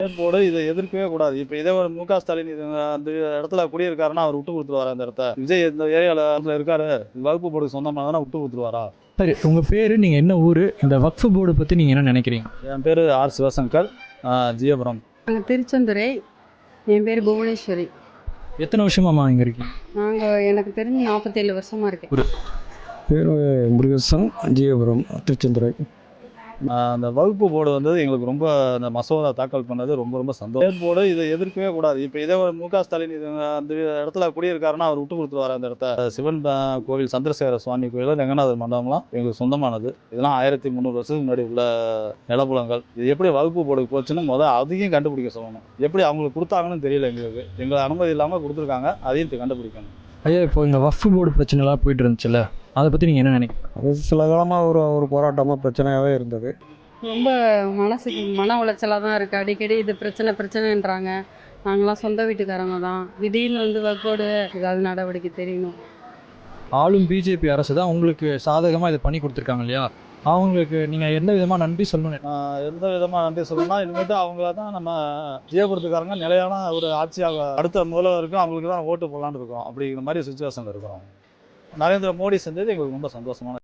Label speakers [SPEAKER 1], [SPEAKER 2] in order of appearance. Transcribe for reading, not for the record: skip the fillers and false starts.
[SPEAKER 1] போடு இதை எதிர்க்கவே கூடாது. இப்போ இதே ஒரு மு க ஸ்டாலின் அந்த இடத்துல குடியிருக்காருன்னா அவர் விட்டு கொடுத்துருவாரா அந்த இடத்த? விஜய் இந்த ஏரியாவில் இருக்காரு, வகுப்பு போர்டுக்கு சொந்தமானதுன்னா விட்டு கொடுத்துருவாரா?
[SPEAKER 2] சரி, உங்கள் பேர், நீங்கள் என்ன ஊர், இந்த வக்ஃப் போர்டு பற்றி நீங்கள் என்ன நினைக்கிறீங்க?
[SPEAKER 1] என் பேர் ஆர் சிவசங்கர், ஜியபுரம்.
[SPEAKER 3] நாங்கள் திருச்செந்துறை. என் பேர் புவனேஸ்வரி.
[SPEAKER 2] எத்தனை வருஷமாம்மா இங்கே இருக்கீங்க?
[SPEAKER 3] எனக்கு தெரிஞ்சு 47 வருஷமாக இருக்கேன்.
[SPEAKER 4] பேர் முருகேசன், ஜியபுரம், திருச்செந்துறை.
[SPEAKER 1] அந்த வகுப்பு போர்டு எங்களுக்கு ரொம்ப அந்த மசோதா தாக்கல் பண்ணது ரொம்ப ரொம்ப சந்தோஷம். போர்டு இதை எதிர்க்கவே கூடாது. இப்போ இதே ஒரு மு க ஸ்டாலின் அந்த இடத்துல குடியிருக்காருன்னா அவர் விட்டு கொடுத்துருவாரு அந்த இடத்த? சிவன் கோவில், சந்திரசேகர சுவாமி கோயில், ரெங்கநாதர் மண்டபம்லாம் எங்களுக்கு சொந்தமானது. இதெல்லாம் 1300 வருஷத்துக்கு முன்னாடி உள்ள நிலப்புலங்கள். இது எப்படி வகுப்பு போர்டுக்கு போச்சுன்னு அதையும் கண்டுபிடிக்க சொல்லணும். எப்படி அவங்களுக்கு கொடுத்தாங்கன்னு தெரியல எங்களுக்கு. எங்களை அனுமதி இல்லாமல் கொடுத்துருக்காங்க, அதையும் கண்டுபிடிக்கணும்.
[SPEAKER 2] ஐயா, இப்போ இந்த வக்ஃப் போர்டு பிரச்சனைலாம் போயிட்டு இருந்துச்சுல்ல, அதை பற்றி நீங்கள் என்ன நினைக்கிறீங்க?
[SPEAKER 4] அது சில காலமாக ஒரு போராட்டமாக பிரச்சனையாகவே இருந்தது.
[SPEAKER 3] ரொம்ப மனசுக்கு மன உளைச்சலாக தான் இருக்குது. அடிக்கடி இது பிரச்சனைன்றாங்க. நாங்களாம் சொந்த வீட்டுக்காரங்க தான். திடீர்னு வக்கோடு ஏதாவது நடவடிக்கை தெரியணும்.
[SPEAKER 2] ஆளும் பிஜேபி அரசு தான் உங்களுக்கு சாதகமாக இதை பண்ணி கொடுத்துருக்காங்க இல்லையா? அவங்களுக்கு நீங்கள் எந்த விதமாக நன்றி சொல்லணும்?
[SPEAKER 1] எந்த விதமாக நன்றி சொல்லணும்னா, இனிமேட்டு அவங்கள தான் நம்ம ஜியபுரத்துக்காரங்க நிலையான ஒரு ஆட்சியாக அடுத்த முதல்வருக்கும் அவங்களுக்கு தான் ஓட்டு போடலான்னு இருக்கோம். அப்படிங்கிற மாதிரி சுச்சுவேஷனில் இருக்கிறோம். நரேந்திர மோடி செஞ்சது எங்களுக்கு ரொம்ப சந்தோஷமான